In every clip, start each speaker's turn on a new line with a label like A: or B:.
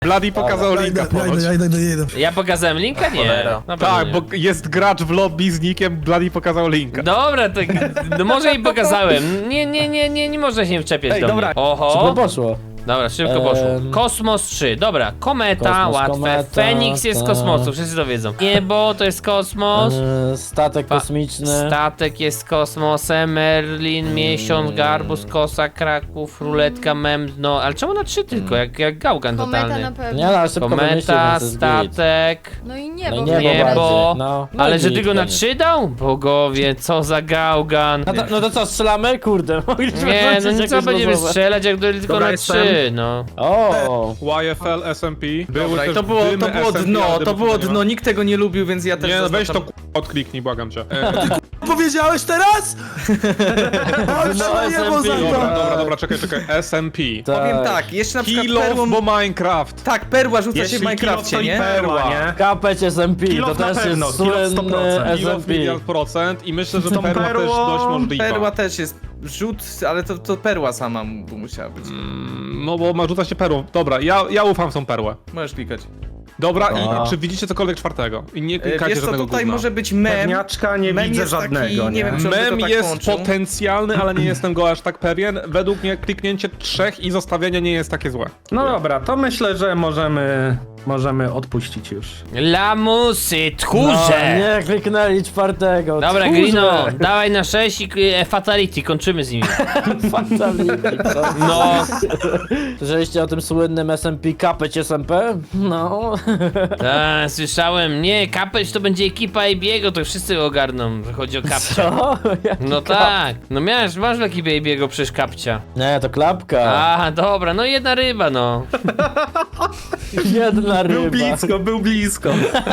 A: Bloody pokazał linka ponoć.
B: Ja idę.
C: Ja pokazałem linka? Nie.
D: Cholera.
C: Na pewno
A: Tak,
C: nie.
A: bo jest gracz w lobby z nickiem, Bloody pokazał linka.
C: Dobra, to no może i pokazałem. Nie można się wczepiać do
D: dobra.
C: mnie.
E: Szybko
C: Oho.
E: poszło.
C: Dobra, szybko poszło. Kosmos 3, dobra. Kometa,
E: Kosmos,
C: łatwe.
E: kometa,
C: Feniks jest z
E: tak.
C: kosmosu, wszyscy to wiedzą. Niebo to jest kosmos.
E: Statek kosmiczny.
C: Statek jest z kosmosem, Merlin, miesiąc, garbus, kosa, Kraków, ruletka, no ale czemu na 3 tylko, jak gałgan
F: Kometa
C: totalny.
F: na pewno.
E: Nie no, ale szybko wymyślił,
C: Kometa,
E: więc jest git.
C: statek.
F: No i
E: No
F: niebo.
E: i niebo
C: Niebo.
E: bardziej, no. No
C: Ale
E: i
C: że
E: git,
C: tylko na
E: koniec.
C: 3 dał? Bogowie, co za gałgan.
E: No to co, strzelamy? Kurde, mogliśmy
C: Nie, no
E: wrzucić
C: co
E: jakieś
C: będziemy
E: losowe.
C: strzelać, jak tylko
D: Dobra,
C: na
D: jestem.
C: 3, no.
E: O,
A: YFL, SMP. Były
D: Dobra, i
A: też
D: to było
A: dymy SMP,
D: dno,
A: ale
D: to
A: dymów
D: było
A: nie ma.
D: dno, nikt tego nie lubił, więc ja też
A: Nie, no weź to
D: zaznaczam.
A: odkliknij, błagam cię.
B: Powiedziałeś teraz? Ale
E: No,
B: trzeba niebo za
E: SMP.
B: to.
A: Dobra, czekaj. SMP.
D: Powiem tak, jeszcze na przykład
A: Kill
D: perłą...
A: bo Minecraft.
D: Tak, perła rzuca się w
G: Jeśli
D: Minecrafcie,
G: kilo, to i
D: nie?
G: perła, nie?
E: kapeć SMP,
G: Kill
E: to
G: off na
E: też
G: pewno,
E: jest
G: kill off
E: słynny
G: 100%.
A: Kill
E: SMP.
A: miliard procent i myślę, że
G: Z tą
A: perła też
G: perłą-
A: dość możliwa.
D: Perła też jest rzut, ale to perła sama musiała być.
A: No bo ma rzuca się perłą. Dobra, ja ufam w tą perłę.
D: Możesz klikać.
A: Dobra,
E: Aha.
A: i czy widzicie cokolwiek czwartego? I nie klikacie
D: Wiesz co,
A: żadnego
D: tutaj
A: gówna.
D: może być mem.
G: Pewniaczka nie
D: Mem
G: widzę
D: jest taki,
G: żadnego,
D: nie wiem, czy one to
A: Mem
D: tak
A: jest
D: łączą.
A: potencjalny, ale nie jestem go aż tak pewien. Według mnie kliknięcie 3 i zostawienie nie jest takie złe.
G: No dobra, to myślę, że możemy odpuścić już.
C: Lamusy,
E: No,
C: tchórze!
E: nie kliknęli czwartego.
C: Dobra,
E: Tchórze.
C: Grino, dawaj na 6 i Fatality, kończymy z nimi.
E: Fatality, co?
C: No,
E: Słyszeliście o tym słynnym SMP kapeć SMP? No.
C: tak, słyszałem. Nie, Kapeć to będzie ekipa Abiego, to wszyscy ogarną, że chodzi o Kapcia.
E: Co? Jaki
C: No
E: kap-
C: tak, no masz w ekipie Abiego przecież Kapcia.
E: Nie, to klapka.
C: Aha, dobra, no jedna ryba, no.
E: Jedna ryba.
G: Był blisko.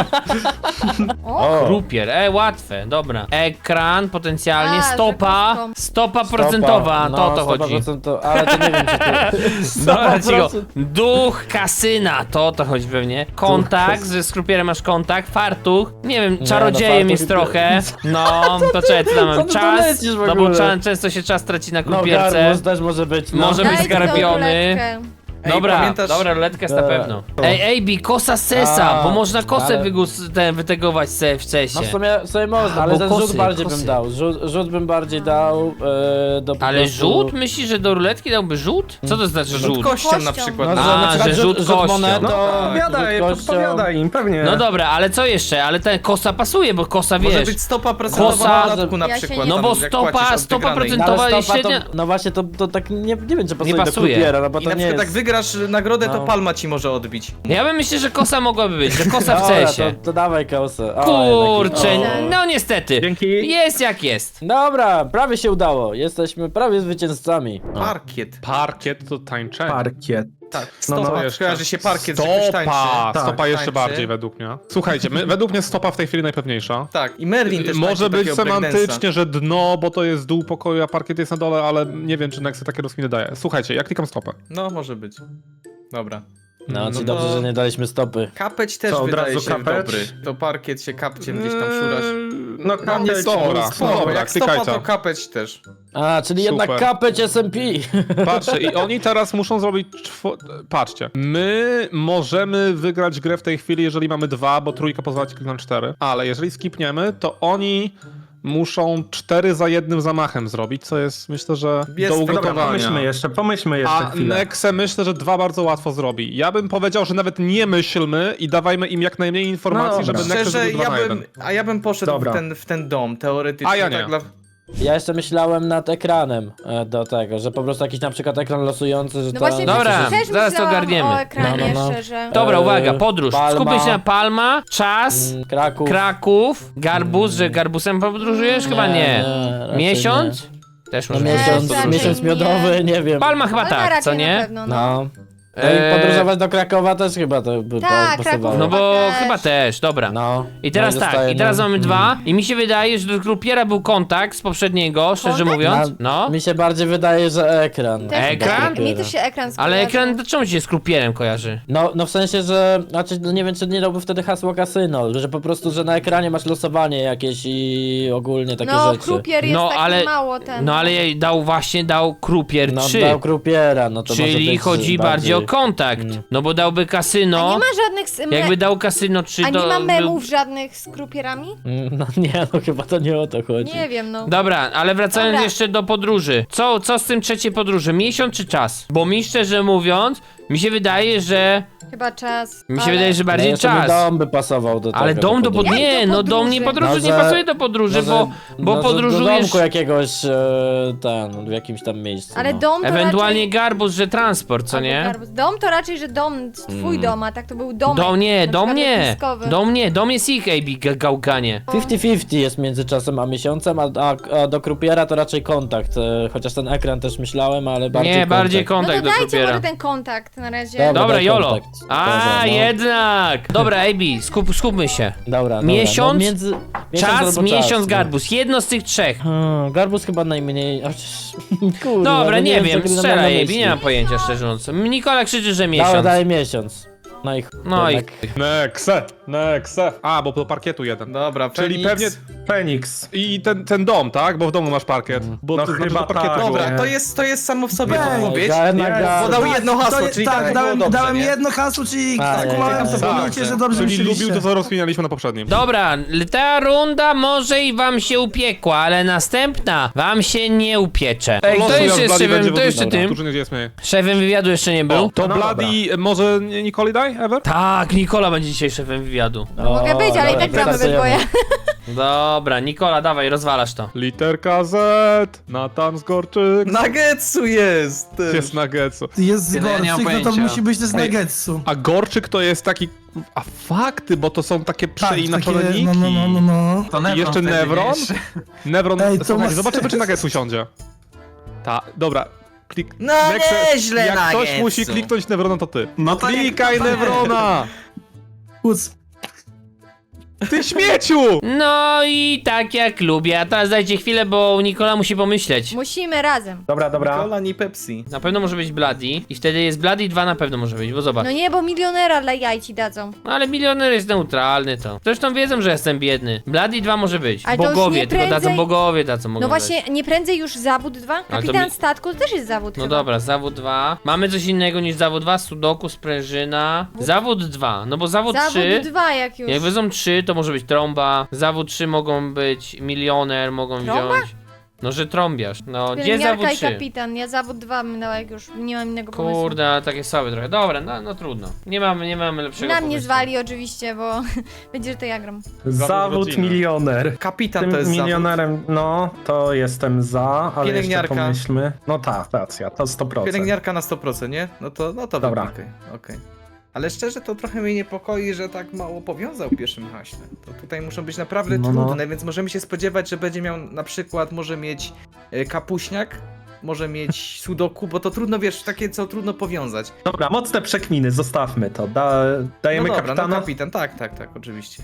E: O,
C: Krupier, łatwe, dobra. Ekran potencjalnie,
F: A,
C: stopa,
F: że kostką.
C: stopa procentowa,
E: no,
C: to o to chodzi.
E: 100%, ale to nie wiem, czy to...
C: Dobra, cicho.
E: 100%.
C: Duch kasyna, to o to chodzi pewnie. Kontakt, ze skrupierem masz kontakt, fartuch, nie wiem, czarodziejem
E: fartuch
C: jest
E: i-
C: trochę. No, to czekaj, co tam
E: Co
C: mam?
E: ty tu
C: Czas,
E: lecisz w
C: no bo
E: ogóle?
C: często się czas traci na
E: No,
C: krupierce.
E: garbus też może być, no.
C: Może być
F: Daj tą
C: zgarbiony.
F: ruletkę.
D: Ej,
C: Dobra,
D: pamiętasz-
C: dobra, ruletka jest na
E: Dobra.
C: pewno. Ej, AB, kosa sesa,
E: A,
C: bo można kosę
E: ale-
C: wytegować w cesie.
E: No w sumie można,
C: A,
E: ale
C: bo
E: ten
C: kosy,
E: rzut bardziej
C: kosy.
E: bym dał. Rzut bym bardziej dał do po
C: Ale
E: prostu...
C: rzut? Myślisz, że do ruletki dałby rzut? Co to znaczy
D: Rzut
C: rzut?
D: kością na
F: Kością.
D: przykład.
E: No,
D: No,
E: że
C: A,
E: na przykład
C: że rzut kością.
E: monetą,
G: No
D: Tak,
G: podpowiadaj,
E: rzut kością.
G: podpowiadaj im, pewnie.
C: No dobra, ale co jeszcze? Ale ten kosa pasuje, bo kosa
D: Może
C: wiesz.
D: być stopa procentowa
C: Kosa-
D: na dodatku na
F: Ja się
D: przykład.
F: nie-
C: No
D: tam,
C: bo
D: jak
C: stopa-
D: płacisz od
C: stopa
D: wygranej.
C: procent-
E: No, ale
C: Towa
E: stopa,
C: średnia-
E: no właśnie, to tak nie wiem, czy pasuje
C: Nie
E: do
C: pasuje.
E: krupiera, no bo
D: I
E: to
D: na
E: nie
D: przykład
E: jest...
D: jak wygrasz nagrodę, to
E: No.
D: palma ci może odbić.
C: Ja bym myślę, że kosa mogłaby być, że kosa w
E: Dobra,
C: cesie.
E: to dawaj kosę. O,
C: Kurczę,
E: jednak- o.
C: no niestety.
G: Dzięki.
C: Jest jak jest.
E: Dobra, prawie się udało. Jesteśmy prawie zwycięzcami.
D: Parkiet.
A: Parkiet to tańczenie.
G: Parkiet.
D: Tak,
G: No,
D: stopa.
G: no,
D: Kojarzy się parkiet, że ktoś tańczy.
A: Stopa! Stopa
D: Tak,
A: jeszcze
D: tańczy.
A: bardziej według mnie. Słuchajcie, według mnie stopa w tej chwili najpewniejsza.
D: Tak, i Merlin też
A: Może
D: tańczy
A: być
D: takiego breakdance'a.
A: semantycznie, że dno, bo to jest dół pokoju, a parkiet jest na dole, ale nie wiem, czy Nexy takie rozkminy daje. Słuchajcie, ja klikam stopę.
D: No, może być. Dobra.
E: No,
D: No
E: czyli
D: to-
E: dobrze, że nie daliśmy stopy.
D: Kapeć też
G: Co, od
D: wydaje
G: razu
D: się
G: kapeć?
D: dobry. To parkiet się kapciem gdzieś tam szurasz.
G: No
A: nie
G: kapeć.
A: dobra.
D: Spoko,
A: Dobra,
D: jak stopa
A: klikajcie.
D: to kapeć też.
E: A, czyli jednak
A: Super.
E: kapeć SMP.
A: Patrzcie, i oni teraz muszą zrobić Patrzcie, my możemy wygrać grę w tej chwili, jeżeli mamy 2, bo trójka pozwala ci kliknąć 4, ale jeżeli skipniemy, to oni muszą 4 za jednym zamachem zrobić, co jest, myślę, że
D: Jest,
A: do
D: dobra,
A: ugotowania.
G: Pomyślmy jeszcze
A: A
G: chwilę.
A: Nexe myślę, że 2 bardzo łatwo zrobi. Ja bym powiedział, że nawet nie myślmy i dawajmy im jak najmniej informacji,
G: No
A: żeby
G: dobra.
A: Nexe
D: Szczerze,
A: zrobił 2 na 1.
D: ja bym poszedł
G: Dobra.
D: w ten dom, teoretycznie.
A: A ja nie.
D: Tak dla...
E: Ja jeszcze myślałem nad ekranem do tego, że po prostu jakiś na przykład ekran losujący, że
F: No
E: to...
F: właśnie,
C: Dobra,
F: też
C: zaraz to
F: myślałam
C: ogarniemy.
F: o ekranie
E: No.
F: jeszcze, że...
C: Dobra, uwaga, podróż.
E: Palma.
C: Skupię się na Palma, czas,
E: Kraków.
C: Kraków, Garbus, że Garbusem podróżujesz? Chyba nie.
E: raczej
C: Miesiąc? Też
E: No
C: może
E: miesiąc,
F: raczej
E: miesiąc
F: nie.
E: miodowy, nie wiem.
C: Palma chyba
F: Ale
C: tak,
F: raczej
C: co
F: na
C: nie?
F: pewno, no.
E: No. No i podróżować do Krakowa też chyba to by
F: Tak,
E: pasowało.
F: Kraków.
C: No bo
F: Też.
C: chyba też, dobra.
E: No.
C: I teraz
E: No
C: tak,
E: zostaje
C: i teraz
E: nam-
C: mamy 2 i mi się wydaje, że do Krupiera był kontakt z poprzedniego, szczerze
F: Kontakt?
C: mówiąc. No.
E: Mi się bardziej wydaje, że ekran.
F: Też
C: Ekran?
F: tak, mi też się ekran
C: Ale
F: skojarzył.
C: ekran, czemu ci się z Krupierem kojarzy?
E: No w sensie, że znaczy, no nie wiem, czy nie dałby wtedy hasło kasyno, że po prostu, że na ekranie masz losowanie jakieś i ogólnie takie
F: No,
E: rzeczy.
F: Krupier jest
C: No,
F: taki
C: ale-
F: mało ten.
C: No ale jej dał Krupier
E: No
C: 3.
E: dał Krupiera, no to może
C: Czyli
E: być
C: chodzi bardziej o kontakt. No bo dałby
F: A
C: kasyno.
F: nie ma żadnych...
C: Jakby dał kasyno 3
F: A
C: to...
F: nie ma
C: był-
F: memów żadnych z krupierami?
E: No nie, no chyba to nie o to chodzi.
F: Nie wiem, no.
C: Dobra, ale wracając
F: Dobra.
C: jeszcze do podróży. Co z tym trzeciej podróży? Miesiąc czy czas? Bo mi szczerze mówiąc, mi się wydaje, że...
F: Chyba czas.
C: Mi się
F: ale-
C: wydaje, że
E: No
C: bardziej
E: jeszcze by
C: czas.
E: dom by pasował do tego.
C: Ale dom do
E: podróży.
C: podróży.
F: Jak
C: Nie,
F: do
C: no dom nie
F: podróży?
C: podróży, nie
E: Może-
C: pasuje do podróży,
E: Może-
C: bo
E: może Do
C: podróżujesz.
E: domku jakiegoś w jakimś tam miejscu.
F: Ale
E: no.
F: dom to
C: Ewentualnie
F: raczej...
C: garbus, że transport, co
F: Albo
C: nie?
F: garbus. Dom to raczej, że dom, twój dom, a tak to był domek.
C: Dom nie,
F: na
C: dom
F: przykład
C: nie.
F: letniskowy.
C: Dom nie, dom jest ich, AB, gałganie.
E: 50-50 jest między czasem a miesiącem, a do krupiera to raczej kontakt. Chociaż ten ekran też myślałem, ale bardziej
C: Nie, bardziej
F: No
C: kontakt
F: to
C: do
F: dajcie
C: krupiera.
F: może ten kontakt na razie.
C: Dobra,
E: daj
C: Jolo.
E: kontakt.
C: A,
E: Dobra, no.
C: jednak. Dobra, AB, skupmy się.
E: Dobra,
C: Miesiąc,
E: No, miesiąc
C: Czas,
E: albo
C: miesiąc,
E: no.
C: garbus. Jedno z tych trzech.
E: Garbus chyba najmniej. Kurde,
C: Dobra,
E: no
C: nie
E: co
C: wiem,
E: Green ma na
C: strzelaj, AB,
E: myśli.
C: nie mam pojęcia, szczerze mówiąc. Nikola krzyczy, że
E: Dobra,
C: miesiąc.
E: daj miesiąc.
C: No i...
A: Nexe. A, bo do parkietu jeden.
D: Dobra,
A: Czyli
D: Feniks.
A: pewnie...
G: Feniks.
A: I ten dom, tak? Bo w domu masz parkiet. Bo
G: No
A: to znaczy,
G: chyba
A: że parkietu
G: tak.
A: było.
D: Dobra,
G: Nie.
D: to jest samo w sobie
B: Ej,
D: odpowiedź.
E: Bo
D: Bo dał jedno hasło,
B: To-
D: czyli
B: tak,
D: tak
B: dałem,
D: było dobrze,
B: dałem
D: nie?
B: jedno hasło, czyli
E: A,
B: skumałem
E: nie,
B: to
D: tak,
B: pamięcie,
D: tak.
B: że dobrze
A: Czyli
B: myśleliście.
A: lubił to, co rozwinęliśmy na poprzednim.
C: Dobra, ta runda może i wam się upiekła, ale następna wam się nie upiecze. Ej,
A: Losu,
C: to jeszcze
A: jak
C: jest
A: Bloody będzie
C: szefem, to jeszcze
A: wodny.
C: tym.
A: Którzy nie jest mniej.
C: Szefem wywiadu jeszcze nie był.
A: To
G: No
A: Bloody, może Nikoli daj, Ever?
C: Tak, Nikola będzie dzisiaj szefem wywiadu.
F: Mogę być, ale i tak gramy we dwoje.
C: Dobra, Nikola, dawaj, rozwalasz to.
A: Literka Z, Natan Zgorczyk.
D: Nagetsu jest!
A: Jest Nuggetsu.
B: Jest
H: Ja nie mam
B: Gorczyk, no to
H: pojęcia.
B: musi być też
A: Ej,
B: Nuggetsu.
A: A Gorczyk to jest taki... A fakty, bo to są takie przeinaczone
B: takie,
A: niki.
B: no.
H: To
A: I jeszcze
H: wtedy,
A: Nevron?
H: wiesz?
A: Nevron,
B: Ej, to
A: słuchaj,
B: ma
A: zobaczymy
B: sens.
A: czy Nuggetsu siądzie. Dobra. Klik...
D: No
A: Nexe,
D: nieźle,
A: jak ktoś
D: Nuggetsu.
A: musi kliknąć Nevrona, to ty.
G: No to
A: Klikaj Nevrona!
B: Kuc.
A: Ty śmieciu!
C: No i tak jak lubię, a teraz dajcie chwilę, bo Nikola musi pomyśleć.
F: Musimy razem.
G: Dobra.
D: Cola, nie Pepsi.
C: Na pewno może być Bloody i wtedy jest Bloody 2 na pewno może być, bo zobacz.
F: No nie, bo milionera dla jaj ci dadzą.
C: No ale milioner jest neutralny to. Zresztą wiedzą, że jestem biedny. Bloody 2 może być.
F: Ale to już
C: Bogowie,
F: nie
C: tylko dadzą
F: prędzej-
C: bogowie, dadzą mogą
F: No
C: dać.
F: właśnie, nie prędzej już zawód 2?
C: to
F: Kapitan
C: mi-
F: statku to też jest zawód
C: No
F: chyba.
C: dobra, zawód 2. Mamy coś innego niż zawód 2, sudoku, sprężyna. Zawód 2, no bo zawód 3...
F: Zawód 2 jak już.
C: Jak wezmą 3, to może być trąba. Zawód 3 mogą być milioner, mogą
F: Trąba?
C: wziąć. No, że trąbiasz. No, gdzie zawód
F: Pielęgniarka i
C: 3?
F: kapitan, ja zawód 2 bym dała jak już nie mam innego pomysłu.
C: Kurde, ale takie słabe trochę. Dobra, no trudno. Nie mamy lepszego
F: Na mnie
C: pomysłu.
F: zwali oczywiście, bo będzie, że to ja gram.
G: Zawód
A: rodziny.
G: milioner.
D: Kapitan
G: Tym
D: to jest zawód.
G: milionerem, no, to jestem za, ale
D: Pielęgniarka.
G: jeszcze pomyślmy. No tak, racja, to 100%.
D: Pielęgniarka na 100%, nie? No to
G: Dobra.
D: okej. Ale szczerze to trochę mnie niepokoi, że tak mało powiązał w pierwszym haśle. To tutaj muszą być naprawdę
G: No, no.
D: trudne, więc możemy się spodziewać, że będzie miał na przykład, może mieć kapuśniak, może mieć sudoku, bo to trudno, wiesz, takie co trudno powiązać.
G: Dobra, mocne przekminy, zostawmy to. Dajemy
D: no dobra,
G: kapitana?
D: no kapitan, tak, oczywiście.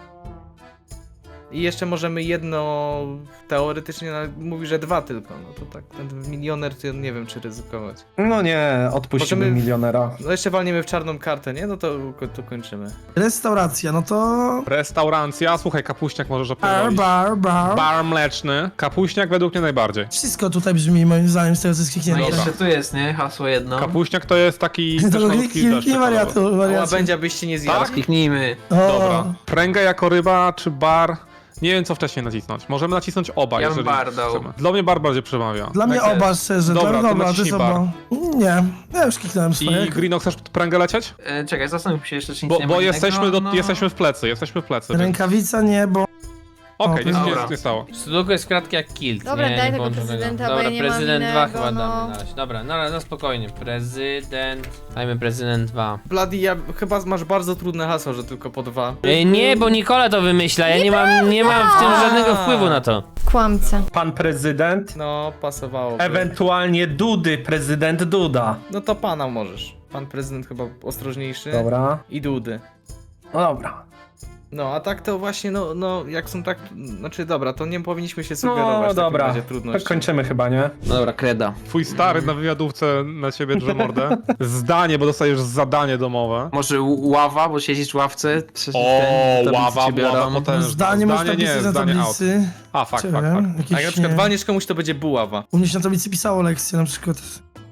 D: I jeszcze możemy jedno, teoretycznie mówi, że 2 tylko, no to tak, ten milioner, to nie wiem czy ryzykować.
G: No nie, odpuścimy
D: Możemy-
G: milionera.
D: No jeszcze walniemy w czarną kartę, nie? No to kończymy.
B: Restauracja, no to...
A: Restauracja, słuchaj, kapuśniak możesz opierdolić.
B: Bar.
A: Bar mleczny. Kapuśniak według mnie najbardziej.
B: Wszystko tutaj brzmi moim zdaniem z tego co jest
H: No i
B: kliknięte.
H: jeszcze tu jest, nie? Hasło jedno.
A: Kapuśniak to jest taki... też
B: To
A: malutki deszcz
B: nie wariatu,
D: A
B: wariacie.
D: łabędzia byście nie zjadł.
A: Tak?
H: Kliknijmy.
A: Dobra. Pręgę jako ryba, czy bar? Nie wiem co wcześniej nacisnąć. Możemy nacisnąć oba,
H: Ja bym
A: jeżeli
H: bar dał.
A: chcemy. Dla mnie bar bardziej przemawia.
B: Dla mnie
H: Tak
B: oba,
H: jest.
B: szczerze.
A: Dobra, to
B: to jest
A: naciśnij bar.
B: oba. Nie, ja już kliknąłem swoje.
A: I Greeno, chcesz pręgę lecieć?
H: Czekaj, zastanów się jeszcze, czy nic nie ma
A: Bo
H: innego,
A: jesteśmy,
H: no.
A: jesteśmy w plecy, więc...
B: Rękawica nie, bo...
A: Okej, nic
H: Dobra.
A: nie stało.
C: Sudoku jest kratki jak kilt.
F: Dobra,
C: nie,
F: daj
C: nie
F: tego
C: włączę
F: prezydenta,
C: Dobra,
F: bo ja nie mam
C: prezydent 2
F: innego,
C: chyba
F: no.
C: damy na razie. Dobra, na spokojnie. Prezydent. Dajmy prezydent 2.
D: Bloody, chyba masz bardzo trudne hasło, że tylko po 2.
C: Nie, bo Nikola to wymyśla. Ja nie mam w tym żadnego wpływu na to.
F: Kłamca.
G: Pan prezydent,
D: No, pasowało.
G: ewentualnie Dudy, prezydent Duda.
D: No to pana możesz. Pan prezydent chyba ostrożniejszy.
G: Dobra.
D: I Dudy.
G: No dobra.
D: No, a tak to właśnie, no, jak są tak, znaczy dobra, to nie powinniśmy się sugerować
G: No
D: w takim
G: dobra,
D: razie trudności.
G: kończymy chyba, nie?
H: No dobra, kreda.
A: Twój stary na wywiadówce na ciebie drze mordę. Zdanie, bo dostajesz zadanie domowe.
H: Może ława, bo siedzisz w ławce.
A: Ława potężna.
B: Zdanie można
A: nie,
B: napisać na
A: zdanie out.
B: tablicy.
A: A, fakt.
B: Czy wiem,
D: A jak na
B: jakieś,
D: przykład
B: nie.
D: walniesz komuś, to będzie buława.
B: U mnie się na tablicy pisało lekcje na przykład.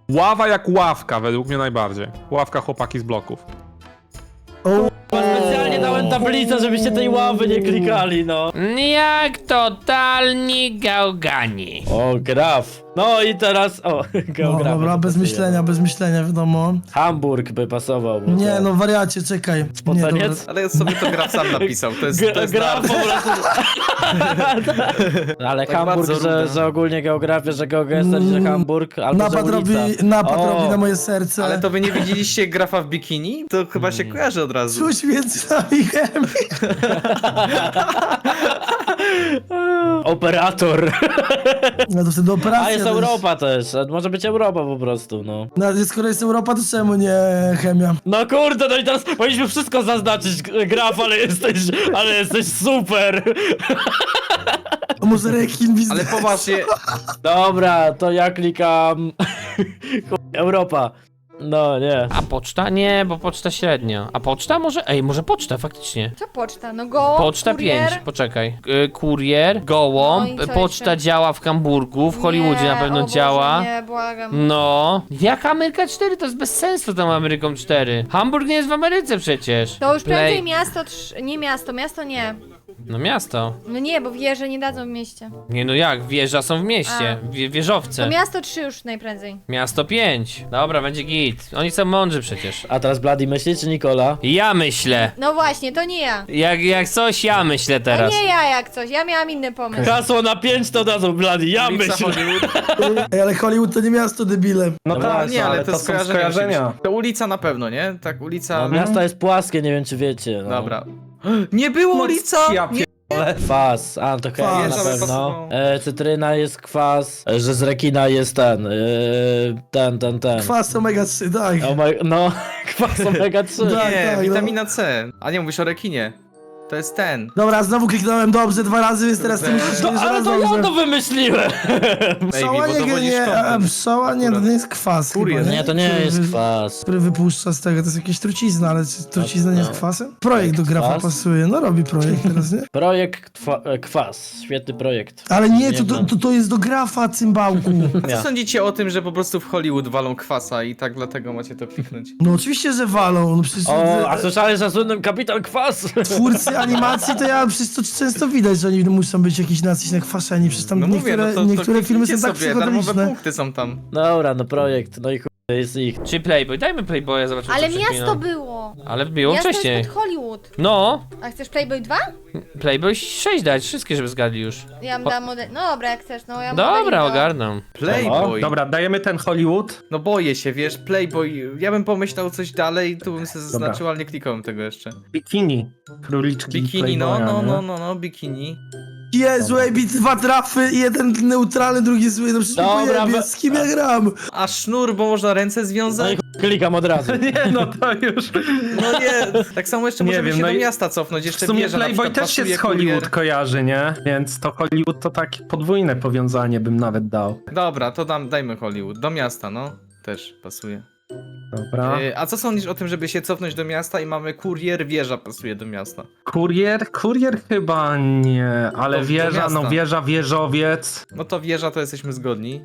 A: Ława jak ławka, według mnie najbardziej. Ławka chłopaki z bloków.
E: Specjalnie dałem tablicę, żebyście tej ławy nie klikali, no.
C: Jak totalni gałgani.
E: O, graf. No i teraz, o,
B: No
E: geografia.
B: dobra, bez myślenia, wiadomo.
E: Hamburg by pasował. bo
B: Nie
E: to-
B: no, wariacie, czekaj. Nie,
E: Spoceniec?
B: dobra.
D: Ale sobie to graf sam napisał, to jest
E: Graf po prostu. Ale
D: Tak
E: Hamburg,
D: bardzo
E: że,
D: równe.
E: że ogólnie geografia, że geogestel, że Hamburg, albo
B: Napad
E: że
B: robi,
E: ulica.
B: napad
E: O.
B: robi na moje serce.
D: Ale to wy nie widzieliście grafa w bikini? To chyba się kojarzy od razu.
B: Czuć między nami chemię.
E: Operator.
B: No to wtedy operacja.
E: A jest
B: też.
E: Europa też. Może być Europa po prostu, no.
B: No ale skoro jest Europa, to czemu nie chemia?
E: No kurde, no i teraz powinniśmy wszystko zaznaczyć, graf, ale jesteś super.
B: A może rekin biznes?
D: Ale poważnie,
E: Dobra, to ja klikam Europa. No nie.
C: A poczta? Nie, bo poczta średnio. A poczta może? Ej, może poczta faktycznie.
F: Co poczta? No go,
C: Poczta
F: kurier.
C: 5, poczekaj. Kurier, gołąb,
F: No i co
C: poczta
F: jeszcze?
C: działa w Hamburgu, w Hollywoodzie
F: Nie,
C: na pewno
F: o Boże,
C: działa.
F: Nie, błagam.
C: No. Jak Ameryka 4? To jest bez sensu tą Ameryką 4. Hamburg nie jest w Ameryce przecież.
F: To już prędzej
C: Play-
F: miasto, nie miasto nie.
C: No miasto.
F: No nie, bo wieże nie dadzą w mieście.
C: Nie no jak, wieża są w mieście.
F: A.
C: Wieżowce.
F: To miasto 3 już najprędzej.
C: Miasto 5. Dobra, będzie git. Oni są mądrzy przecież.
E: A teraz Bloody myśli, czy Nikola?
C: Ja myślę.
F: No właśnie, to nie ja.
C: Jak coś, ja myślę
F: To
C: teraz.
F: nie ja jak coś, ja miałam inny pomysł.
E: Hasło na 5 to dadzą Bloody, ja
D: ulica
E: myślę.
D: Hollywood.
B: Ej, ale Hollywood to nie miasto, debile.
G: No
E: No
G: tak,
E: właśnie,
D: Nie, ale
G: to
D: to
G: są
D: skojarzenia.
G: skojarzenia.
D: oczywiście. To ulica na pewno, nie? Tak, ulica...
E: No, miasto jest płaskie, nie wiem czy wiecie. No.
D: Dobra. Nie było ulica!
G: Ja
D: Nie.
E: Kwas, a to
B: Kwas.
E: na
D: Jest, ale
E: pewno.
D: pasowało.
E: Cytryna jest kwas, że z rekina jest ten.
B: Kwas omega 3, tak.
E: No, kwas omega 3.
B: Tak,
D: Nie,
B: tak,
D: witamina C. A nie, mówisz o rekinie. To jest ten.
B: Dobra, znowu kliknąłem dobrze 2 razy, więc teraz ty musisz
E: No,
B: jeszcze
E: ale
B: raz
E: to ja
B: dobrze.
E: to wymyśliłem.
B: Pszczoła
D: bo
B: nie,
D: dowodzisz
B: nie, a
D: kątem.
B: pszczoła nie, to nie jest kwas
D: Kurier.
B: chyba,
E: Nie, to nie
B: Który
E: jest
B: wy-
E: kwas.
B: Który wypuszcza z tego, to jest jakieś trucizna, ale czy trucizna nie jest
E: No.
B: kwasem? Projekt do grafa
E: Kwas?
B: pasuje, no robi projekt teraz, nie?
E: Projekt kwas, świetny projekt.
B: Ale nie,
E: Nie znam.
B: to jest do grafa, cymbałku.
D: A co
E: Ja.
D: sądzicie o tym, że po prostu w Hollywood walą kwasa i tak dlatego macie to kliknąć?
B: No oczywiście, że walą, no przecież
E: O, a słyszałeś o słynnym Kapitan Kwas?
B: twórcy animacji, to ja przecież to często widać, że oni muszą być jakiś nacyś kwaszeni, przecież tam
D: No mówię,
B: niektóre,
D: no to
B: niektóre filmy są
D: kliknijcie
B: tak
D: sobie, darmowe
B: psychodeliczne.
D: punkty są tam.
E: Dobra, no projekt, no i chuj, jest ich.
C: Czy Playboy? Dajmy Playboya, zobaczymy
F: Ale
C: co
F: miasto
C: przekmina.
F: było.
C: Ale było
F: Miasto
C: wcześniej.
F: jest pod Hollywood.
C: No,
F: A chcesz Playboy 2?
C: Playboy 6 dać, wszystkie żeby zgadli już.
F: Ja bym dała model... No dobra, jak chcesz, no ja
C: Dobra,
F: modeling
C: ogarnę.
D: Playboy.
G: Dobra, dajemy ten Hollywood.
D: No boję się, wiesz, Playboy. Ja bym pomyślał coś dalej, tu bym sobie zaznaczył, ale nie klikałem tego jeszcze.
G: Bikini. Króliczki
D: Bikini,
G: Playboya, nie?
D: no, bikini.
B: Jezu, ej, 2 trafy, jeden neutralny, drugi zły, no przecież
E: Dobra,
B: nie z kim ja gram?
D: A sznur, bo można ręce
E: No i
D: związać?
E: chuj, klikam od razu.
G: Nie, no to już.
D: No nie, tak samo jeszcze
G: Nie
D: możemy
G: wiem,
D: się
G: no
D: do
G: i
D: miasta cofnąć,
G: W
D: jeszcze
G: sumie
D: wieża na
G: Playboy
D: przykład
G: też się
D: pasuje,
G: z Hollywood
D: kurier.
G: kojarzy, nie? Więc to Hollywood to takie podwójne powiązanie bym nawet dał.
D: Dobra, to dajmy Hollywood, do miasta, no. Też pasuje.
G: Dobra.
D: A co sądzisz o tym, żeby się cofnąć do miasta i mamy kurier, wieża pasuje do miasta?
G: Kurier chyba nie, ale
D: Do
G: wieża,
D: miasta.
G: no wieża, wieżowiec.
D: No to wieża to jesteśmy zgodni.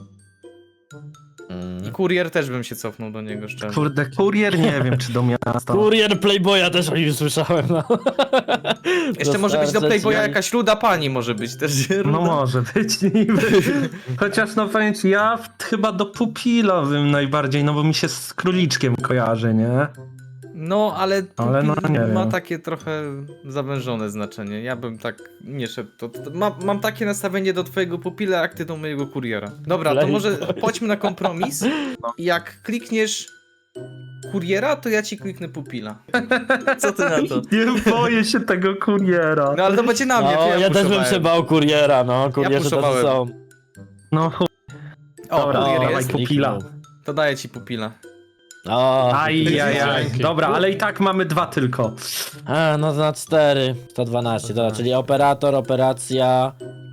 D: I kurier też bym się cofnął do niego szczerze.
G: Kurde, kurier nie wiem czy do miasta.
E: Kurier Playboya też o nim słyszałem, no.
D: Jeszcze może być do
E: Dostarczać
D: Playboya
E: jaj.
D: jakaś ruda pani może być też.
G: No
D: Ruda.
G: może być niby. Chociaż no powiem ci, ja chyba do pupilowym najbardziej, no bo mi się z króliczkiem kojarzy, nie?
D: No, ale
G: Ale no,
D: pupil
G: nie
D: ma
G: wiem.
D: takie trochę zawężone znaczenie. Ja bym tak nie szedł. Mam takie nastawienie do twojego pupila, jak ty do mojego kuriera. Dobra, to
E: Playboy.
D: może chodźmy na kompromis. Jak klikniesz kuriera, to ja ci kliknę pupila. Co ty na to?
G: Nie boję się tego kuriera.
D: No ale to będzie na mnie,
E: No,
D: to ja
E: ja też bym
D: puszowałem.
E: się bał kuriera, no. Kurierzy też
D: puszowałem.
E: są.
G: No
D: O,
G: Dobra,
D: kurier
G: dawaj
D: jest.
G: pupila.
D: To daję ci pupila.
E: O,
G: Ajajaj.
C: Dzięki.
G: Dobra, ale i tak mamy 2 tylko.
E: A, no na 4. 112, dobra, czyli operator, operacja.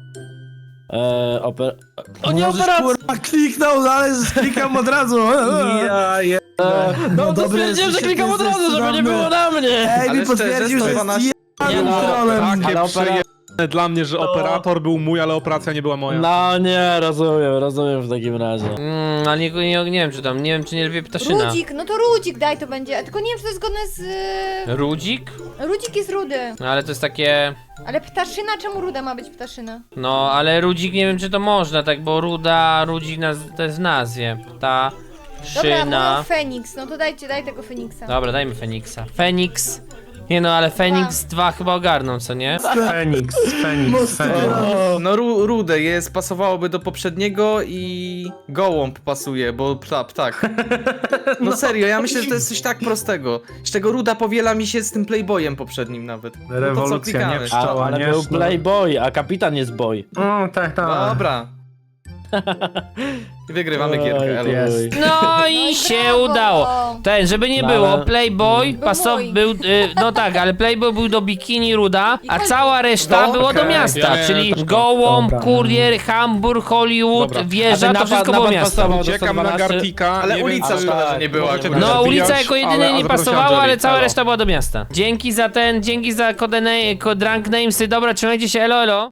E: O nie,
B: Możesz,
E: operacja!
B: kurwa, kliknął, ale klikam od razu.
G: Ja je...
E: No to
B: dobry
E: stwierdziłem, że
B: jesteś,
E: klikam od
B: jesteś
E: razu, żeby nie
B: cudowny.
E: było na mnie!
B: Ej,
D: Ale
B: mi potwierdził,
D: szczerze,
B: że jest
D: 112
E: Nie
B: jebanym
E: no,
B: trolem.
E: ale
A: dla mnie, że operator był mój, ale operacja nie była moja.
E: No nie, rozumiem w takim razie.
C: Ale nie wiem czy tam, nie wiem czy nie lubię ptaszyna.
F: Rudzik, no to Rudzik daj to będzie. Tylko nie wiem, czy to jest zgodne z...
C: Rudzik?
F: Rudzik jest rudy.
C: No ale to jest takie...
F: Ale ptaszyna, czemu ruda ma być ptaszyna?
C: No, ale Rudzik nie wiem czy to można, tak, bo Rudzik to jest w nazwie.
F: Dobra,
C: Szyna.
F: mówią Feniks, no to daj tego Feniksa.
C: Dobra, dajmy Feniksa. Feniks. Nie no, ale Feniks 2 chyba ogarną, co nie?
G: Feniks.
D: No rude jest, pasowałoby do poprzedniego i gołąb pasuje, bo ptak. No serio, ja myślę, że to jest coś tak prostego. Z czego ruda powiela mi się z tym Playboyem poprzednim nawet. No to co
G: Rewolucja,
D: klikamy?
G: nie pszczoła,
E: Ale
G: nie
E: był
G: sznur.
E: Playboy, a kapitan jest boy.
G: O, tak.
D: Dobra. I wygrywamy
E: Oj,
D: gierkę,
E: ty
D: elo.
G: jest.
C: No i się
F: brawo.
C: udało. Żeby nie
E: No,
C: było,
E: ale-
C: Playboy
F: boy.
C: był, no tak, ale Playboy był do bikini ruda, a
F: I
C: cała reszta
D: No,
C: było do
D: okej.
C: miasta,
A: Ja miałem
C: czyli
A: też to.
C: gołąb,
E: Dobra.
C: kurier, Hamburg, Hollywood,
A: Dobra.
C: wieża,
E: A
C: to
E: ten
C: wszystko
E: napad
C: było miasto.
E: pasował do
A: Uciekam na
E: 112.
A: Gartika.
D: Ale
A: nie
D: ulica
A: wiem, czy-
D: szkoda, że nie była.
A: możecie
D: akurat.
A: mnie
C: No ulica
A: zabijać,
C: jako jedynie
A: ale
C: nie
A: zaprosiłem
C: pasowała, ale
A: Angelique.
C: cała
A: Elo.
C: reszta była do miasta. Dzięki za drunk namesy, dobra, trzymajcie się, elo.